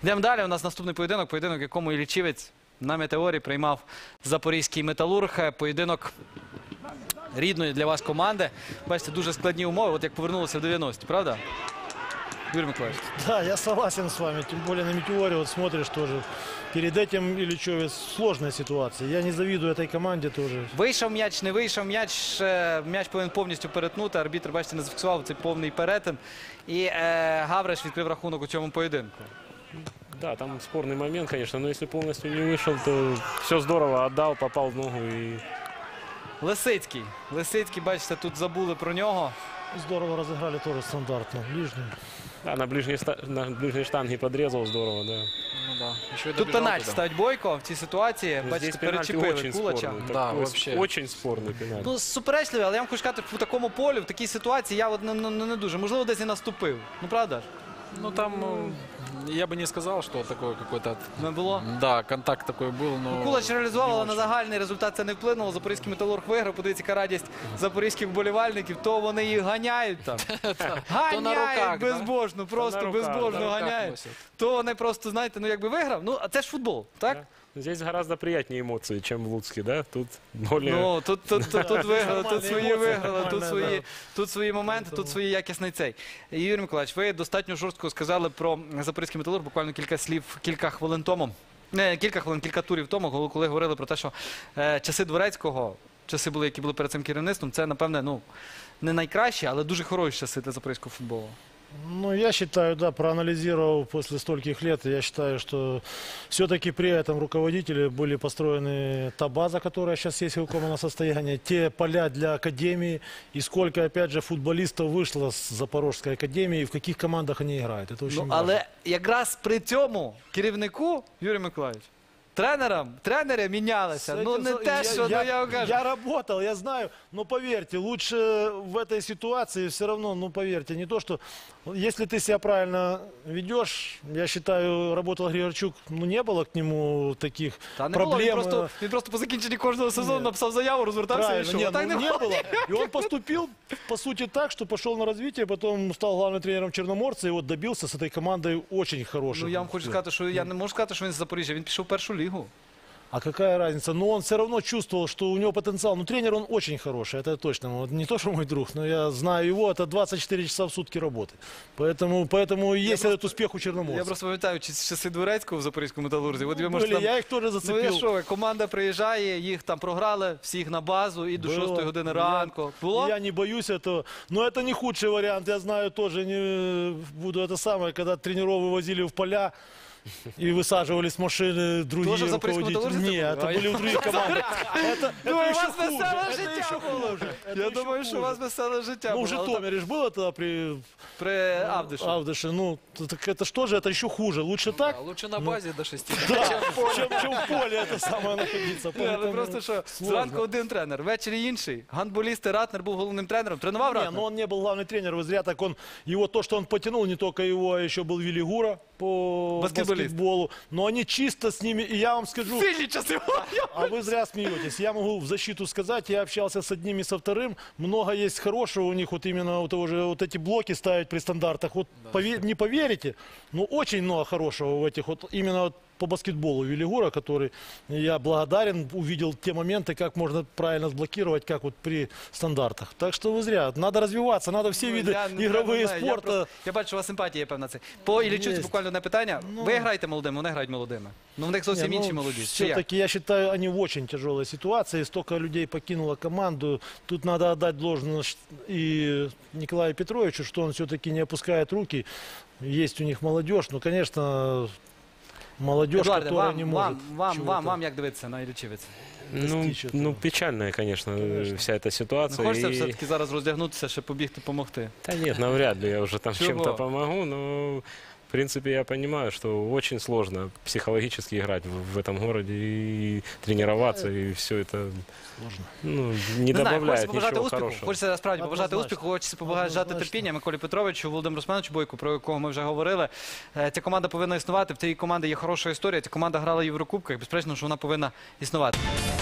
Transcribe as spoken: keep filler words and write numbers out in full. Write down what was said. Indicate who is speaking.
Speaker 1: Йдемо далі. У нас наступний поєдинок. Поєдинок, в якому Іллічівець на Метеорі приймав Запорізький Металург. Поєдинок рідної для вас команди. Бачите, дуже складні умови. От як повернулися в дев'яності, правда? Юрий Миколаевич.
Speaker 2: Да, я согласен с вами. Тем более на Метеоре, вот смотришь тоже. Перед этим Ильичевец сложная ситуация. Я не завидую этой команде тоже.
Speaker 1: Вийшов м'яч, не вийшов м'яч. М'яч повинен повністю перетнути. Арбітр, бачите, не зафіксував цей повний перетин. І е, Гавриш відкрив рахунок у цьому поєдинку.
Speaker 3: Да, там спорный момент, конечно, но если полностью не вышел, то все здорово, отдал, попал в ногу и...
Speaker 1: Лисицький. Лисицький, бачите, тут забули про нього.
Speaker 2: Здорово разыграли тоже стандартно. Ближний.
Speaker 3: Да, на ближней, на ближней штанге подрезал, здорово, да.
Speaker 4: Ну, да. Еще и
Speaker 1: Тут
Speaker 4: добежал
Speaker 1: пенальті
Speaker 4: туда.
Speaker 1: ставить Бойко в цій ситуації.
Speaker 3: Но
Speaker 1: Бачите,
Speaker 3: здесь пенальти
Speaker 1: перечепили
Speaker 3: очень
Speaker 1: Кулача.
Speaker 3: спорный.
Speaker 4: Да,
Speaker 3: такой
Speaker 4: вообще.
Speaker 3: Очень спорный пенальти.
Speaker 1: Ну, суперечливий, але я вам хочу сказати, по такому полю, в такій ситуації я от не, не, не дуже. Можливо, десь і наступив. Ну, правда ж?
Speaker 4: Ну, там, э, я бы не сказал, что такое какой-то...
Speaker 1: Не було?
Speaker 4: Да, контакт такой был, но...
Speaker 1: Кулач реалізував,
Speaker 4: не
Speaker 1: але на
Speaker 4: очень.
Speaker 1: загальний результат це не вплинуло. Запорізький Металург виграв. Подивіться, яка радість запорізьких вболівальників. То вони їх ганяють там.
Speaker 4: То на руках,
Speaker 1: Ганяють
Speaker 4: да?
Speaker 1: безбожно, просто
Speaker 3: на руках,
Speaker 1: безбожно
Speaker 4: на руках
Speaker 1: ганяють.
Speaker 4: носять.
Speaker 1: То вони просто, знаєте, ну якби виграв. Ну, а це ж футбол, так?
Speaker 3: Да. Здесь гораздо приятнее эмоции, чем в Луцке, да? Тут более...
Speaker 1: Ну, тут, тут, тут, тут виграли, тут
Speaker 2: Нормальні
Speaker 1: свої
Speaker 2: емоції,
Speaker 1: виграли, тут
Speaker 2: нормально,
Speaker 1: свої,
Speaker 2: да.
Speaker 1: тут свої моменти, тут свої якісний цей. І, Юрій Миколаївич, ви достатньо жорстко сказали про Запорізький Металург, буквально кілька слів, кілька хвилин тому. Не, кілька хвилин, кілька турів тому, коли говорили про те, що е, часи Дворецького, часи були, які були перед цим керівництвом, це, напевне, ну, не найкращі, але дуже хороші часи для запорізького футболу.
Speaker 2: Ну, я считаю, да, проанализировав после стольких лет, я считаю, что все-таки при этом руководителе были построены та база, которая сейчас есть в выполненном состоянии, те поля для академии, и сколько, опять же, футболистов вышло с Запорожской академии, и в каких командах они играют. Это очень
Speaker 1: Ну,
Speaker 2: важно.
Speaker 1: але якраз при цьому керівнику, Юрій Миколаївич, тренерам, тренери мінялися.
Speaker 2: С
Speaker 1: Ну,
Speaker 2: этим
Speaker 1: не
Speaker 2: за-
Speaker 1: те, що, ну, я вам кажу.
Speaker 2: я работал, я знаю, но поверьте, лучше в этой ситуации все равно, ну поверьте, не то, что если ты себя правильно ведешь, я считаю, работал Григорчук, ну не было к нему таких
Speaker 1: Та не було,
Speaker 2: проблем.
Speaker 1: він просто, він просто по закінченні кожного сезону
Speaker 2: Ні.
Speaker 1: написав заяву, розвертався і
Speaker 2: Правильно,
Speaker 1: йшов.
Speaker 2: нет,
Speaker 1: А так
Speaker 2: ну,
Speaker 1: не
Speaker 2: не
Speaker 1: було.
Speaker 2: было. И он поступил, по сути, так, что пошел на развитие, потом стал главным тренером Черноморца, и вот добился с этой командой очень хороших.
Speaker 1: Ну, я вам хочу сказати, що я не можу сказати, що він з Запоріжжя, він пішов в першу лігу.
Speaker 2: А какая разница? Но он все равно чувствовал, что у него потенциал. Ну, тренер он очень хороший, это точно. Вот не то, что мой друг, но я знаю его, это двадцать четыре часа в сутки работы. Поэтому, поэтому и есть этот успех у Черноморца.
Speaker 1: Я просто пам'ятаю чи- часи Дворецького в Запорізькому Металурзі. От ви можете
Speaker 2: Были,
Speaker 1: там...
Speaker 2: я их тоже
Speaker 1: Ну, я
Speaker 2: зацепил.
Speaker 1: що, команда приїжджає, їх там програли, всіх на базу і до
Speaker 2: Было.
Speaker 1: шостої години
Speaker 2: Я-
Speaker 1: ранку. Було?
Speaker 2: Я не боюсь этого. Но это не худший вариант. Я знаю, тоже не буду это самое, когда тренеров вывозили в поля и высаживали с машины другие
Speaker 1: Тоже в Запорізькому
Speaker 2: руководители.
Speaker 1: Металлурзі це
Speaker 2: Нет,
Speaker 1: було?
Speaker 2: это были в других командах. Это,
Speaker 1: Ну,
Speaker 2: это
Speaker 1: у
Speaker 2: еще
Speaker 1: вас
Speaker 2: хуже.
Speaker 1: веселе
Speaker 2: Это
Speaker 1: життя
Speaker 2: еще
Speaker 1: було.
Speaker 2: хуже. Это
Speaker 1: Я
Speaker 2: еще
Speaker 1: думаю, що у
Speaker 2: хуже.
Speaker 1: вас веселе життя
Speaker 2: Ну, в
Speaker 1: було. Але
Speaker 2: Житомире же было тогда при
Speaker 1: при Авдиші.
Speaker 2: Авдыше. Ну, так это что же, это еще хуже. Лучше так,
Speaker 4: А лучше на базе до шести.
Speaker 2: да, чем, чем в поле это самое находиться.
Speaker 1: Ні, але
Speaker 2: Поэтому
Speaker 1: просто що,
Speaker 2: сложно.
Speaker 1: зранку один тренер, ввечері інший. Гандболіст Ратнер був головним тренером. Тренував
Speaker 2: Не,
Speaker 1: Ратнер?
Speaker 2: но он не был главный тренер, вы зря так он, его то, что он потянул, не только его, а еще был Велигура по
Speaker 1: Баскетболист.
Speaker 2: баскетболу, но они чисто с ними, и я вам скажу,
Speaker 1: Сильні часи.
Speaker 2: а вы зря смеетесь, я могу в защиту сказать, я общался с одним и со вторым, много есть хорошего у них, вот именно у того же, вот эти блоки ставить при стандартах, вот пове- не поверите, но очень много хорошего в этих, вот именно вот по баскетболу Велигура, который я благодарен, увидел те моменты, как можно правильно сблокировать, как вот при стандартах. Так что вы зря. Надо развиваться, надо все
Speaker 1: Ну,
Speaker 2: виды
Speaker 1: я не-
Speaker 2: игровые
Speaker 1: я не знаю, я
Speaker 2: спорта.
Speaker 1: просто- Я бачу, у вас симпатія є певна це. По Іллічівцю
Speaker 2: Єсть.
Speaker 1: буквально одне питання.
Speaker 2: Ну.
Speaker 1: Ви граєте молодими, вони грають молодими. Ну, в них зовсім
Speaker 2: Не, ну,
Speaker 1: інші молоді. Чи як?
Speaker 2: Все-таки я считаю, они в очень тяжелой ситуации. Столько людей покинуло команду. Тут надо отдать должное и Николаю Петровичу, что он все-таки не опускает руки. Есть у них молодежь. Ну, конечно, молодежь,
Speaker 1: Едуарде,
Speaker 2: которая
Speaker 1: вам,
Speaker 2: не
Speaker 1: вам,
Speaker 2: может.
Speaker 1: вам,
Speaker 2: чего-то.
Speaker 1: вам, вам як дивитися на Іллічівець?
Speaker 3: Ну,
Speaker 2: достичь этого.
Speaker 3: ну, печальная, конечно,
Speaker 2: Конечно.
Speaker 3: вся эта
Speaker 1: Не
Speaker 3: ситуация.
Speaker 1: хочеться
Speaker 3: И-
Speaker 1: все-таки зараз роздягнутися, ще побігти, допомогти?
Speaker 3: Да нет, навряд ли я уже там
Speaker 1: Чего?
Speaker 3: чем-то помогу, но в принципе я понимаю, что очень сложно психологически играть в, в этом городе и тренироваться, и все это
Speaker 2: Сложно.
Speaker 3: ну, не,
Speaker 1: Не знаю, хочеться
Speaker 3: добавляет
Speaker 1: побажати
Speaker 3: ничего
Speaker 1: успіху.
Speaker 3: хорошего.
Speaker 1: Хочеться справді побажати
Speaker 2: Однозначно.
Speaker 1: успіху, хочеться побажати
Speaker 2: Однозначно.
Speaker 1: терпіння Миколі Петровичу, Володимиру Руслановичу Бойку, про якого ми вже говорили. Е, Ця команда повинна існувати. В цій команді є хороша історія. Ця команда грала в Єврокубках. Безперечно, що вона повинна існувати.